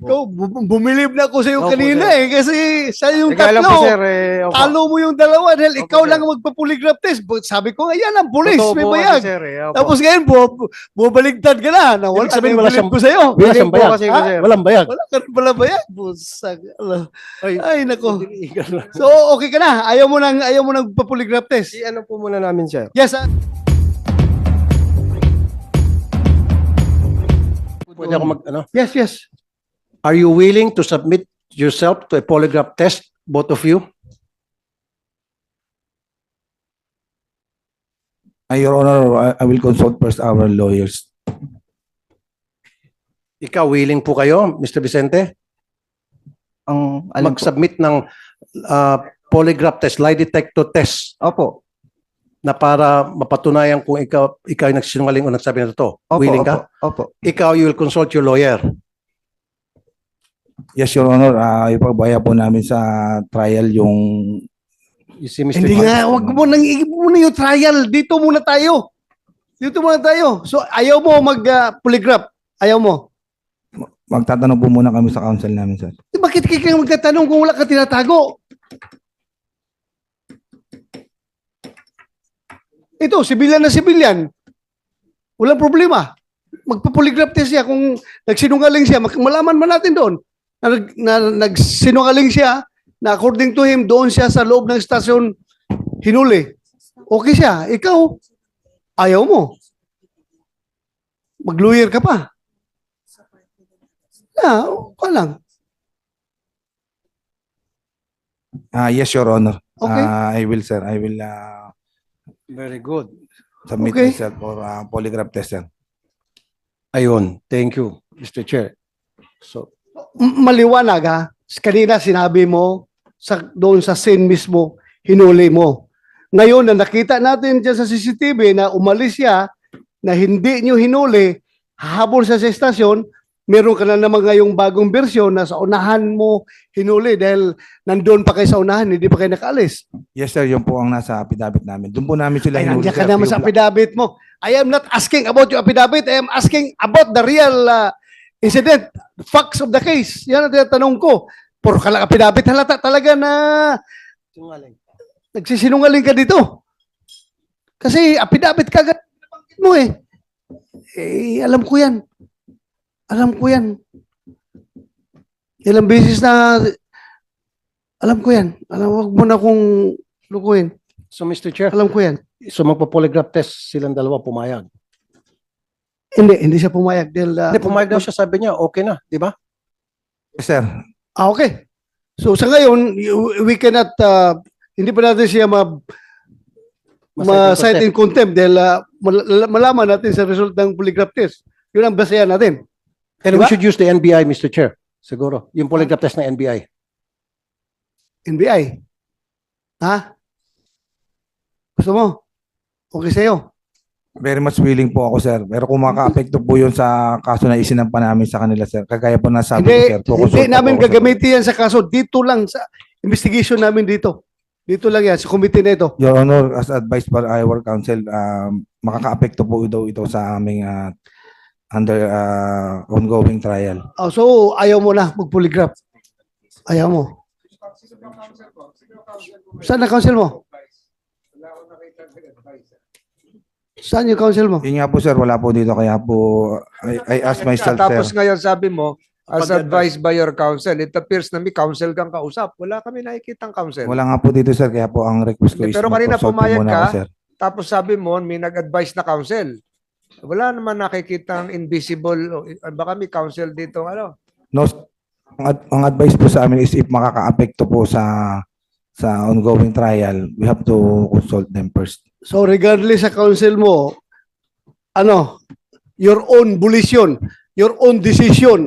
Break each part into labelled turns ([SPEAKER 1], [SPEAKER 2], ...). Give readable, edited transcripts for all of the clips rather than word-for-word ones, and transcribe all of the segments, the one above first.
[SPEAKER 1] Ikaw, bumilib na ako sa iyo
[SPEAKER 2] Opo,
[SPEAKER 1] kanina
[SPEAKER 2] sir.
[SPEAKER 1] eh. Kasi sa yung
[SPEAKER 2] Teka lang po,
[SPEAKER 1] tatlo,
[SPEAKER 2] sir. Opo.
[SPEAKER 1] talo mo yung dalawa dahil
[SPEAKER 2] Opo,
[SPEAKER 1] ikaw
[SPEAKER 2] sir.
[SPEAKER 1] lang ang magpa-polygraph test. Sabi ko, ayan ang pulis,
[SPEAKER 2] Totoo
[SPEAKER 1] may
[SPEAKER 2] po kasi,
[SPEAKER 1] bayag.
[SPEAKER 2] sir. Opo.
[SPEAKER 1] Tapos ngayon, bubaligtad ka na. Nawala
[SPEAKER 3] Ibig sabihin,
[SPEAKER 1] na yung
[SPEAKER 3] wala
[SPEAKER 1] bilib
[SPEAKER 3] siyang-
[SPEAKER 1] ko sa iyo.
[SPEAKER 3] Wala
[SPEAKER 2] Willing
[SPEAKER 3] siyang
[SPEAKER 2] po
[SPEAKER 3] bayag.
[SPEAKER 2] kasi,
[SPEAKER 1] Ha?
[SPEAKER 2] sir.
[SPEAKER 3] Walang bayag.
[SPEAKER 1] Wala ka rin pala bayag. Busag. Ay, nako.
[SPEAKER 3] Diniigan lang.
[SPEAKER 1] So, okay ka na. Ayaw mo nang pa-polygraph test.
[SPEAKER 2] Si ano po muna namin, sir?
[SPEAKER 1] Yes,
[SPEAKER 3] Pwede ako
[SPEAKER 1] Yes, yes.
[SPEAKER 3] Are you willing to submit yourself to a polygraph test, both of you?
[SPEAKER 4] Your Honor, I will consult first our lawyers.
[SPEAKER 3] Ikaw, willing po kayo, Mr. Vicente?
[SPEAKER 5] Ang alam ko.
[SPEAKER 3] Mag-submit ng polygraph test, lie detector test,
[SPEAKER 5] Opo.
[SPEAKER 3] na para mapatunayan kung ikaw ay nagsinungaling o nagsabi na totoo.
[SPEAKER 5] Opo,
[SPEAKER 3] Willing
[SPEAKER 5] opo,
[SPEAKER 3] ka?
[SPEAKER 5] Opo.
[SPEAKER 3] Ikaw, you will consult your lawyer.
[SPEAKER 4] Yes, Your Honor, ipagbaya po namin sa trial yung...
[SPEAKER 3] You see, Mr.
[SPEAKER 1] Hindi
[SPEAKER 3] Chair?
[SPEAKER 1] nga, wag mo nang muna yung trial. Dito muna tayo. So, ayaw mo mag-polygraph. Ayaw mo.
[SPEAKER 4] Magtatanong po muna kami sa counsel namin, sir.
[SPEAKER 1] Bakit kayo magtatanong kung wala ka tinatago? Ito, sibilyan na sibilyan. Walang problema. Magpa-polygraph test siya kung nagsinungaling siya. Malaman man natin doon na nagsinungaling siya na according to him, doon siya sa loob ng stasyon hinuli. Okay siya. Ikaw, ayaw mo. Mag-lawyer ka pa. Okay lang.
[SPEAKER 4] Yes, Your Honor.
[SPEAKER 1] Okay.
[SPEAKER 4] I will, sir. I will
[SPEAKER 3] Very good.
[SPEAKER 4] submit
[SPEAKER 1] Okay.
[SPEAKER 4] myself for polygraph test, sir.
[SPEAKER 3] Ayun. Thank you, Mr. Chair. So,
[SPEAKER 1] Maliwanag ha. Kanina sinabi mo doon sa scene mismo, hinuli mo. Ngayon na nakita natin dyan sa CCTV na umalis siya, na hindi nyo hinuli, habol sa estasyon, meron ka na naman ngayong bagong bersyon na sa unahan mo hinuli dahil nandun pa kayo sa unahan, hindi pa kayo nakaalis.
[SPEAKER 4] Yes, sir. Yun po ang nasa affidavit namin. Doon po namin sila
[SPEAKER 1] Ay,
[SPEAKER 4] hinuli,
[SPEAKER 1] nandiyan ka
[SPEAKER 4] sir.
[SPEAKER 1] naman sa affidavit mo. I am not asking about your affidavit. I am asking about the real incident, facts of the case. Yan ang tinatanong ko. Puro ka lang affidavit. Halata talaga na nagsisinungaling ka dito. Kasi affidavit ka agad nabanggit mo eh. Alam ko yan. Alam ko yan. Ilang beses na alam ko yan. Wag mo na akong lukuhin.
[SPEAKER 3] so Mr. Chair,
[SPEAKER 1] Alam ko yan.
[SPEAKER 3] so magpa-polygraph test silang dalawa pumayag.
[SPEAKER 1] Hindi siya pumayag. Dahil,
[SPEAKER 3] Hindi, pumayag daw siya, sabi niya, okay na, di ba?
[SPEAKER 4] Yes, sir.
[SPEAKER 1] Okay. So sa ngayon, we cannot, hindi pa natin siya ma-cite in contempt dahil malaman natin sa result ng polygraph test. Yun ang basehan natin.
[SPEAKER 3] And
[SPEAKER 1] Diba?
[SPEAKER 3] we should use the NBI, Mr. Chair. Siguro. Yung polygraph test ng NBI.
[SPEAKER 1] NBI. Ha? Gusto mo? Okay sa'yo.
[SPEAKER 4] Very much willing po ako, sir. Pero kung maka-apekto po yun sa kaso na isinampa namin sa kanila, sir. Kagaya po nasabi ko, sir.
[SPEAKER 1] Hindi namin gagamitin yan sa kaso. Dito lang sa investigation namin dito. Dito lang yan, sa committee na ito.
[SPEAKER 4] Your Honor, as advised by our counsel, makaka-apekto po daw ito sa aming under ongoing trial.
[SPEAKER 1] Oh, so, ayaw mo na mag-polygraph. Ayaw mo. Saan na counsel mo? Saan yung counsel mo?
[SPEAKER 4] Yun nga po, sir. Wala po dito. Kaya po, I asked myself,
[SPEAKER 6] Tapos
[SPEAKER 4] sir.
[SPEAKER 6] ngayon sabi mo, as advised by your counsel, it appears na may counsel kang kausap. Wala kami nakikitang counsel.
[SPEAKER 4] Wala nga po dito, sir. Kaya po ang request ko
[SPEAKER 6] Hindi,
[SPEAKER 4] is
[SPEAKER 6] pero kanina
[SPEAKER 4] mag-consult po
[SPEAKER 6] pumayag
[SPEAKER 4] muna
[SPEAKER 6] ka.
[SPEAKER 4] ako, sir.
[SPEAKER 6] Tapos sabi mo, may nag-advise na counsel. Wala naman nakikitang invisible, baka may counsel dito, ano?
[SPEAKER 4] No, ang advice po sa amin is if makaka-apekto po sa ongoing trial, we have to consult them first.
[SPEAKER 1] So regardless sa counsel mo, your own volition, your own decision,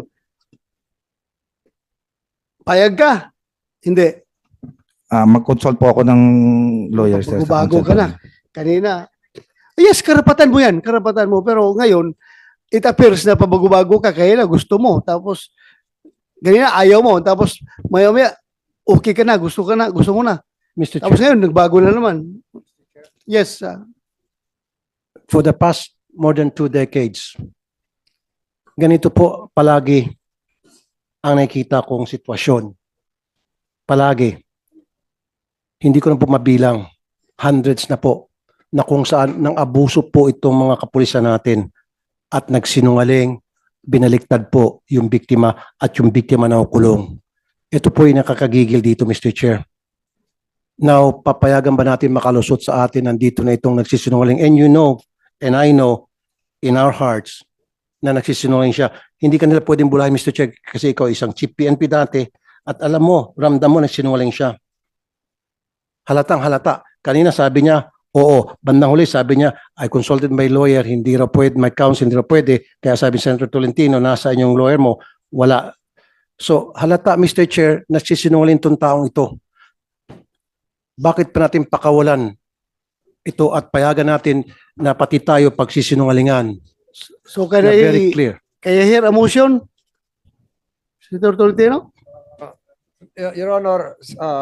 [SPEAKER 1] payag ka? Hindi.
[SPEAKER 4] Mag-consult po ako ng lawyer, sir. sa
[SPEAKER 1] Bago
[SPEAKER 4] consult
[SPEAKER 1] ka na. Kanina. Yes, karapatan mo yan. Karapatan mo. Pero ngayon, it appears na pabago-bago ka. Kaya na gusto mo. Tapos, ganyan ayaw mo. Tapos, maya-maya, okay ka na. Gusto ka na. Gusto mo na.
[SPEAKER 3] Mr.
[SPEAKER 1] Tapos
[SPEAKER 3] Chair,
[SPEAKER 1] ngayon, nagbago na naman. Yes.
[SPEAKER 3] for the past more than 2 decades, ganito po palagi ang nakikita kong sitwasyon. Palagi. Hindi ko na po mabilang. Hundreds na po na kung saan nang abuso po itong mga kapulisan natin at nagsinungaling, binaliktad po yung biktima at yung biktima na kulong. Ito po yung nakakagigil dito, Mr. Chair. Now, papayagan ba natin makalusot sa atin nandito na itong nagsisinungaling? And you know, and I know, in our hearts, na nagsisinungaling siya. Hindi ka nila pwedeng bulahin, Mr. Chair, kasi ikaw isang chief PNP dati at alam mo, ramdam mo nagsinungaling siya. Halatang halata. Kanina sabi niya, oo. Bandang huli sabi niya, I consulted my lawyer, hindi raw pwede, my counsel, hindi raw pwede. Kaya sabi ni Senator Tolentino, nasa inyong lawyer mo, wala. So, halata, Mr. Chair, nagsisinungaling itong taong ito. Bakit pa natin pakawalan ito at payagan natin na pati tayo pagsisinungalingan?
[SPEAKER 1] So,
[SPEAKER 3] Na very clear.
[SPEAKER 1] can I hear a motion? Senator Tolentino?
[SPEAKER 6] Your Honor,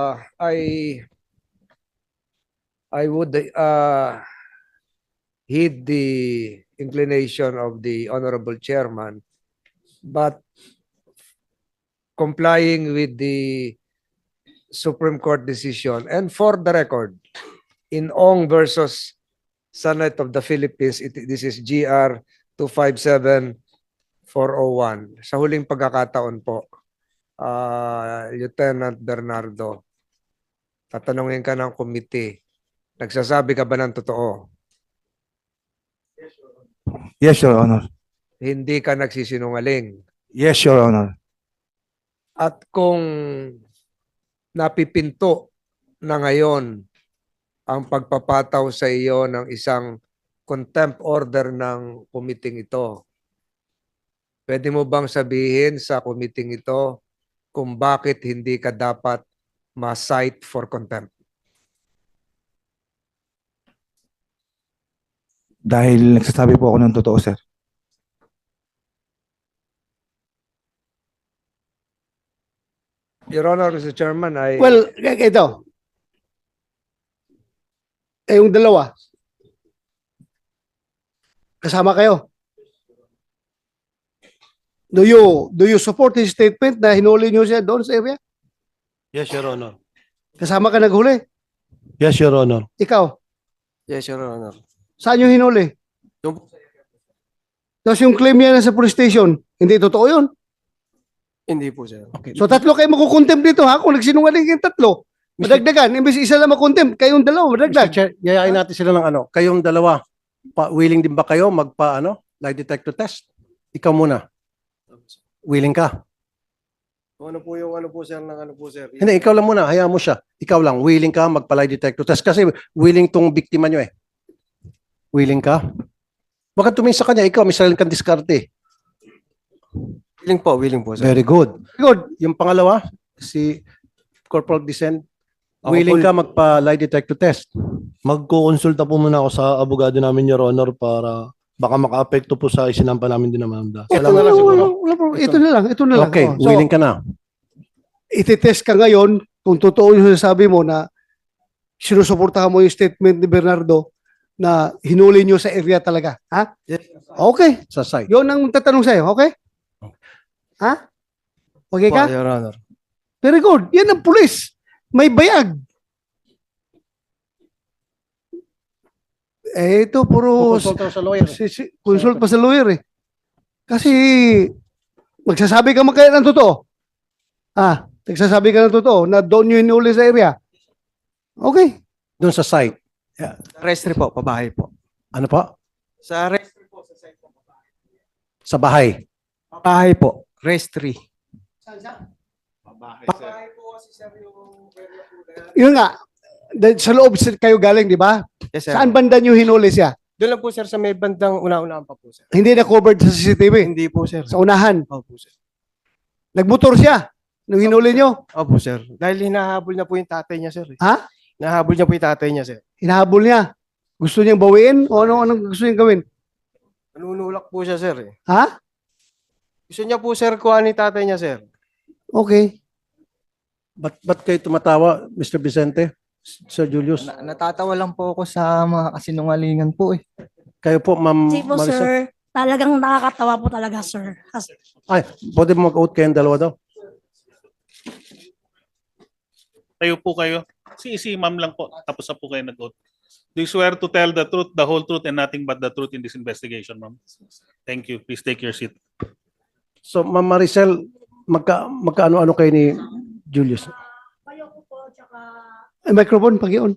[SPEAKER 6] I would heed the inclination of the Honorable Chairman, but complying with the Supreme Court decision, and for the record, in Ong versus Senate of the Philippines, this is GR 257401. Sa huling pagkakataon po, Lieutenant Bernardo, tatanungin ka ng committee, nagsasabi ka ba ng totoo?
[SPEAKER 4] Yes, Your Honor.
[SPEAKER 6] Hindi ka nagsisinungaling.
[SPEAKER 4] Yes, Your Honor.
[SPEAKER 6] At kung napipinto na ngayon ang pagpapataw sa iyo ng isang contempt order ng committee ito, pwede mo bang sabihin sa committee ito kung bakit hindi ka dapat ma-cite for contempt?
[SPEAKER 4] Dahil nagsasabi po ako ng totoo, sir.
[SPEAKER 6] Your Honor, Mr. Chairman,
[SPEAKER 1] Well, ito. Yung dalawa. Kasama kayo. Do you support his statement na hinuli niyo siya doon sa area?
[SPEAKER 3] Yes, Your Honor.
[SPEAKER 1] Kasama ka naghuli?
[SPEAKER 3] Yes, Your Honor.
[SPEAKER 1] Ikaw?
[SPEAKER 5] Yes, Your Honor.
[SPEAKER 1] Saan yung hinuli?
[SPEAKER 5] Yung-
[SPEAKER 1] Tapos yung claim niya na sa police station, hindi totoo yun.
[SPEAKER 5] Hindi po, sir.
[SPEAKER 3] Okay.
[SPEAKER 1] So tatlo kayo makukontempt dito ha? Kung nagsinungaling yung tatlo, madagdagan. Imbes isa lang makontempt, kayong dalawa,
[SPEAKER 3] Mr.
[SPEAKER 1] madagdag.
[SPEAKER 3] Chair, yayain natin sila ng ano. Kayong dalawa, willing din ba kayo magpa lie detector test? Ikaw muna. Willing ka?
[SPEAKER 5] Ano po yung ano po, sir, ng ano po, sir?
[SPEAKER 3] Hindi, ikaw lang muna. Hayaan mo siya. Ikaw lang, willing ka magpa-lie detector test? Kasi willing tong biktima nyo eh. Willing ka? Baka tumingin sa kanya, ikaw, may sarili kang diskarte.
[SPEAKER 5] Willing po, sir.
[SPEAKER 3] Very good.
[SPEAKER 1] Good.
[SPEAKER 3] Yung pangalawa, si Corporal Dicen,
[SPEAKER 2] Ako
[SPEAKER 3] willing
[SPEAKER 2] po-
[SPEAKER 3] ka magpa-lie detector test?
[SPEAKER 2] Magkukonsulta po muna ako sa abogado namin, Your Honor, para baka maka-apekto po sa isinampa namin din naman.
[SPEAKER 3] Ito na lang siguro.
[SPEAKER 1] Ito na lang, ito na lang.
[SPEAKER 3] Okay,
[SPEAKER 1] Oh, so,
[SPEAKER 3] willing ka na.
[SPEAKER 1] ititest ka ngayon kung totoo yung sinasabi mo na sinusuportahan mo yung statement ni Bernardo na hinuli nyo sa area talaga. Ha?
[SPEAKER 5] Yes.
[SPEAKER 1] Okay.
[SPEAKER 3] Sa site.
[SPEAKER 1] Yun ang tatanong sa'yo. Okay? Ha? Okay ka?
[SPEAKER 5] Your Honor.
[SPEAKER 1] Very good. Yan ang pulis. May bayag. Ito puro
[SPEAKER 3] Consult sa lawyer.
[SPEAKER 1] consult pa sa lawyer eh. Kasi magsasabi ka kaya ng totoo. Nagsasabi ka ng totoo na doon yun hinuli sa area. Okay.
[SPEAKER 3] Doon sa site.
[SPEAKER 5] Restri po, pabahay po.
[SPEAKER 3] Ano pa?
[SPEAKER 5] Sa restri po, sa site po.
[SPEAKER 3] Sa bahay.
[SPEAKER 5] Pabahay po. Restri.
[SPEAKER 2] Pabahay,
[SPEAKER 5] po kasi, sir, yung...
[SPEAKER 1] Yun nga. Sa loob kayo galing, di ba?
[SPEAKER 5] Yes, sir.
[SPEAKER 1] Saan banda nyo hinuli siya?
[SPEAKER 5] Doon lang po, sir, sa may bandang una-unahan pa po, sir.
[SPEAKER 1] Hindi na covered sa CCTV.
[SPEAKER 5] Hindi po, sir.
[SPEAKER 1] Sa unahan.
[SPEAKER 5] Opo, sir.
[SPEAKER 1] Nagmotor siya nung hinuli nyo.
[SPEAKER 5] Opo, sir. Dahil hinahabol na po yung tatay niya, sir.
[SPEAKER 1] Ha?
[SPEAKER 5] Hinahabol niya po yung tatay niya, sir.
[SPEAKER 1] Hinahabol niya. Gusto niyang bawiin o anong gusto niyang gawin?
[SPEAKER 5] Nanunulak po siya, sir.
[SPEAKER 1] Ha?
[SPEAKER 5] Gusto niya po, sir, kuha ni tatay niya, sir.
[SPEAKER 1] Okay.
[SPEAKER 3] Ba't kayo tumatawa, Mr. Vicente? Sir Julius?
[SPEAKER 7] Natatawa lang po ako sa mga kasinungalingan po eh.
[SPEAKER 3] Kayo po, Ma'am
[SPEAKER 8] Kasi po,
[SPEAKER 3] Marisa?
[SPEAKER 8] sir, talagang nakakatawa po talaga, sir.
[SPEAKER 3] Ay, pwede mo mag-out kayong dalawa daw?
[SPEAKER 8] Tayo po kayo. Si ma'am lang po. Tapos na po kayo nag-oath. Do you swear to tell the truth, the whole truth, and nothing but the truth in this investigation, ma'am? Thank you. Please take your seat.
[SPEAKER 3] So, Ma'am Maricel, magkaano-ano kayo ni Julius?
[SPEAKER 1] Ay, microphone, pag-ion.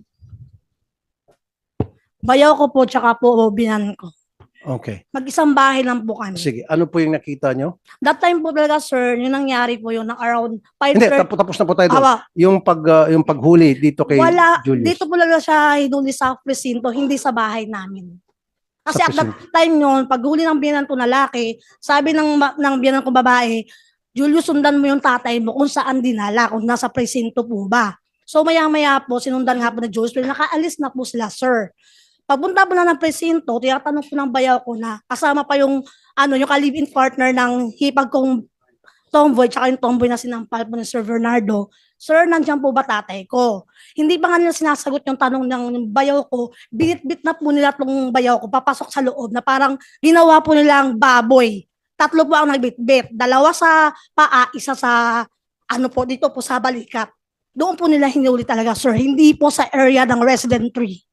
[SPEAKER 9] Bayaw ko po, tsaka po binan ko.
[SPEAKER 3] Okay.
[SPEAKER 9] Mag-isang bahay lang po kami.
[SPEAKER 3] Sige, ano po yung nakita nyo?
[SPEAKER 9] That time po talaga, sir, yung nangyari po yun, ng around
[SPEAKER 3] Hindi,
[SPEAKER 9] 5:30.
[SPEAKER 3] tapos na po tayo doon.
[SPEAKER 9] Awa,
[SPEAKER 3] Yung paghuli dito kay
[SPEAKER 9] wala,
[SPEAKER 3] Julius.
[SPEAKER 9] dito po talaga siya hinuli sa presinto, hindi sa bahay namin. Kasi
[SPEAKER 3] Sa
[SPEAKER 9] at that time yun, paghuli ng biyanan ko na laki, sabi ng biyanan ko babae, Julius, sundan mo yung tatay mo kung saan dinala, kung nasa presinto po ba. So maya-maya po, sinundan nga po na Julius, pero nakaalis na po sila, sir. Pagpunta po na ng presinto, tinatanong ko ng bayaw ko na kasama pa yung yung ka-live-in partner ng hipag kong tomboy tsaka yung tomboy na sinampal po ni Sir Bernardo. Sir, nandiyan po ba tatay ko? Hindi pa nga nila sinasagot yung tanong ng bayaw ko. Binit-bit na po nila tong bayaw ko papasok sa loob na parang ginawa po nilang baboy. 3 po ang nagbitbit. 2 sa paa, 1 sa dito po sa balikat. Doon po nila hinuli talaga, sir. Hindi po sa area ng resident tree.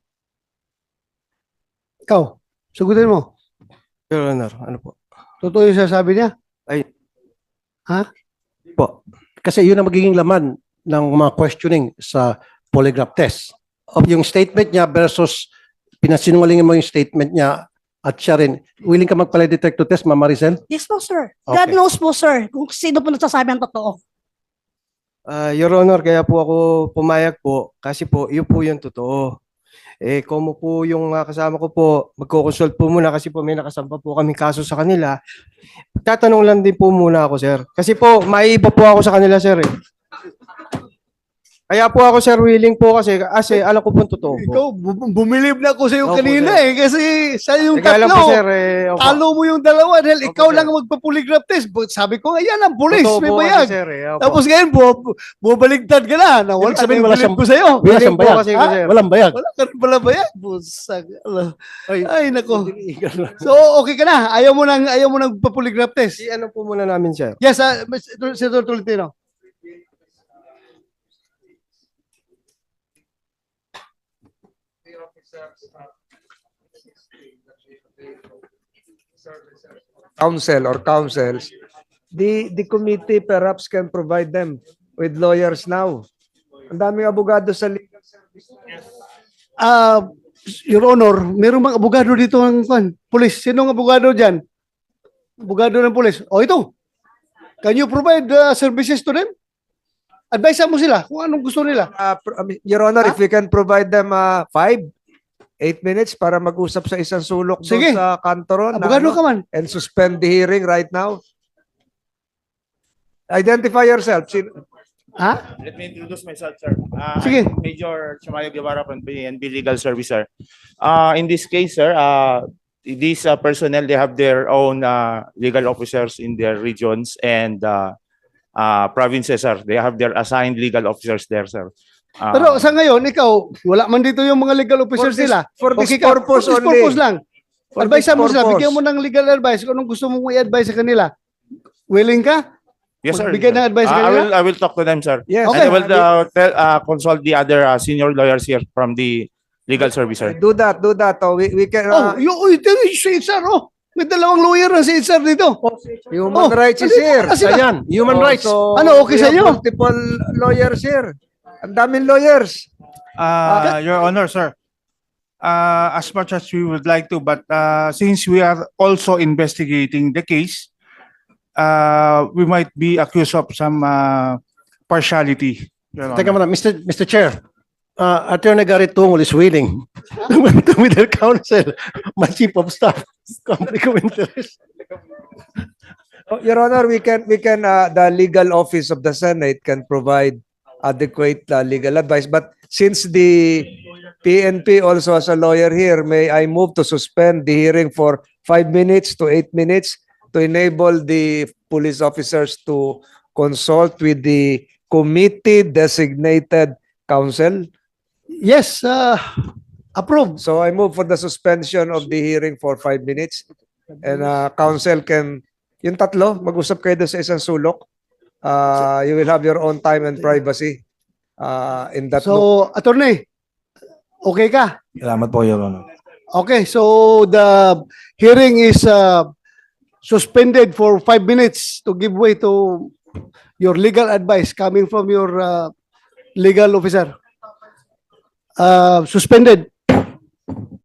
[SPEAKER 1] Ikaw, sugutin mo.
[SPEAKER 5] Your Honor, ano po?
[SPEAKER 1] Totoo yung sasabi niya?
[SPEAKER 3] Kasi yun ang magiging laman ng mga questioning sa polygraph test. Yung statement niya versus pinasinungalingan mo yung statement niya at siya rin. Willing ka magpalay detector test, Ma'am Maricel?
[SPEAKER 9] Yes po, sir.
[SPEAKER 3] Okay.
[SPEAKER 9] God knows po, sir, kung sino po nagsasabi ang totoo.
[SPEAKER 5] Your Honor, kaya po ako pumayag po kasi po, yun po yung totoo. Kung po yung kasama ko po, magko-consult po muna kasi po may nakasampa po kaming kaso sa kanila. Tatanong lang din po muna ako, sir. Kasi po, maiiba po ako sa kanila, sir. Kaya po ako, sir, willing po kasi alam ko po totoo po.
[SPEAKER 1] Ikaw, bumilib na ako sa iyo
[SPEAKER 5] Opo,
[SPEAKER 1] kanina
[SPEAKER 5] sir.
[SPEAKER 1] kasi sa yung
[SPEAKER 5] Kaya lang
[SPEAKER 1] tatlo,
[SPEAKER 5] po, sir, opo.
[SPEAKER 1] talo mo yung 2 dahil
[SPEAKER 5] Opo,
[SPEAKER 1] ikaw
[SPEAKER 5] sir.
[SPEAKER 1] lang ang magpa-polygraph test. Sabi ko, ayan ang pulis,
[SPEAKER 5] Totoo
[SPEAKER 1] may
[SPEAKER 5] po kasi,
[SPEAKER 1] bayag.
[SPEAKER 5] sir, opo.
[SPEAKER 1] Tapos ngayon, bubaligtad ka na. Nawala
[SPEAKER 3] Ibig sabihin,
[SPEAKER 1] na
[SPEAKER 3] wala
[SPEAKER 1] yung
[SPEAKER 3] siyang-
[SPEAKER 1] bilib ko sa'yo.
[SPEAKER 3] Wala
[SPEAKER 5] Willing
[SPEAKER 3] siyang
[SPEAKER 5] po
[SPEAKER 3] bayag.
[SPEAKER 5] kasi,
[SPEAKER 1] Ha?
[SPEAKER 5] sir.
[SPEAKER 3] Walang bayag.
[SPEAKER 1] Wala ka rin pala bayag. Busag. Ay, nako.
[SPEAKER 3] Illegal.
[SPEAKER 1] So, okay ka na. Ayaw mo nang pa-polygraph test.
[SPEAKER 5] Si ano po muna namin, sir.
[SPEAKER 1] Yes, Senator Tolentino.
[SPEAKER 6] Counsel or counsels, the committee perhaps can provide them with lawyers now. Ang daming abogado sa legal service.
[SPEAKER 1] Your Honor, mayroong mga abogado dito ng pulis. Sinong abogado dyan? Abogado ng pulis. O ito, can you provide services to them? Advise mo sila kung anong gusto nila.
[SPEAKER 6] Your Honor, if we can provide them 5, 8 minutes para mag-usap sa isang sulok doon
[SPEAKER 1] Sige.
[SPEAKER 6] sa kantoron
[SPEAKER 1] Abogado ka man.
[SPEAKER 6] and suspend the hearing right now. Identify yourself.
[SPEAKER 1] Ha?
[SPEAKER 10] Let me introduce myself, sir.
[SPEAKER 1] Sige.
[SPEAKER 10] I'm Major Chamayo Guevara from PNP Legal Service, sir. In this case, sir, these personnel, they have their own legal officers in their regions and provinces, sir. They have their assigned legal officers there, sir.
[SPEAKER 1] Pero sa ngayon, ikaw, wala man dito yung mga legal officers nila.
[SPEAKER 6] For this
[SPEAKER 1] Okay ka,
[SPEAKER 6] purpose
[SPEAKER 1] for this
[SPEAKER 6] only.
[SPEAKER 1] purpose lang.
[SPEAKER 6] For
[SPEAKER 1] Advise
[SPEAKER 6] this
[SPEAKER 1] mo sila,
[SPEAKER 6] purpose.
[SPEAKER 1] bigyan mo ng legal advice kung anong gusto mong i-advise sa kanila. Willing ka?
[SPEAKER 10] Yes, sir.
[SPEAKER 1] Magbigay ng advice sa kanila?
[SPEAKER 10] I will talk to them, sir.
[SPEAKER 6] Yes.
[SPEAKER 1] Okay.
[SPEAKER 10] And I will consult the other senior lawyers here from the legal service, sir.
[SPEAKER 6] Do that. Oh, we can
[SPEAKER 1] Si Itzar, may 2 lawyer na si Itzar dito.
[SPEAKER 6] human rights is
[SPEAKER 1] andito
[SPEAKER 6] here.
[SPEAKER 1] na sila.
[SPEAKER 3] Ayan, human rights.
[SPEAKER 6] So,
[SPEAKER 1] Ano, okay
[SPEAKER 6] we
[SPEAKER 1] sa
[SPEAKER 6] have
[SPEAKER 1] inyo?
[SPEAKER 6] multiple lawyers here. Ang daming lawyers.
[SPEAKER 11] Your Honor, sir. As much as we would like to, but since we are also investigating the case, we might be accused of some partiality. Your
[SPEAKER 3] Teka
[SPEAKER 11] Honor.
[SPEAKER 3] muna, Mr. Chair, Attorney Gary Tungol is willing to with their counsel, my chief of staff, conflict of interest.
[SPEAKER 6] Your Honor, we can the legal office of the Senate can provide adequate legal advice. But since the PNP also has a lawyer here, may I move to suspend the hearing for 5 minutes to 8 minutes to enable the police officers to consult with the committee designated counsel.
[SPEAKER 1] Yes, approved.
[SPEAKER 6] So I move for the suspension of the hearing for 5 minutes. And counsel can, yung tatlo, mag-usap kayo doon sa isang sulok. You will have your own time and privacy. in that
[SPEAKER 1] So, attorney, okay ka?
[SPEAKER 4] Salamat po, Your Honor.
[SPEAKER 1] Okay, so the hearing is suspended for 5 minutes to give way to your legal advice coming from your legal officer. Suspended.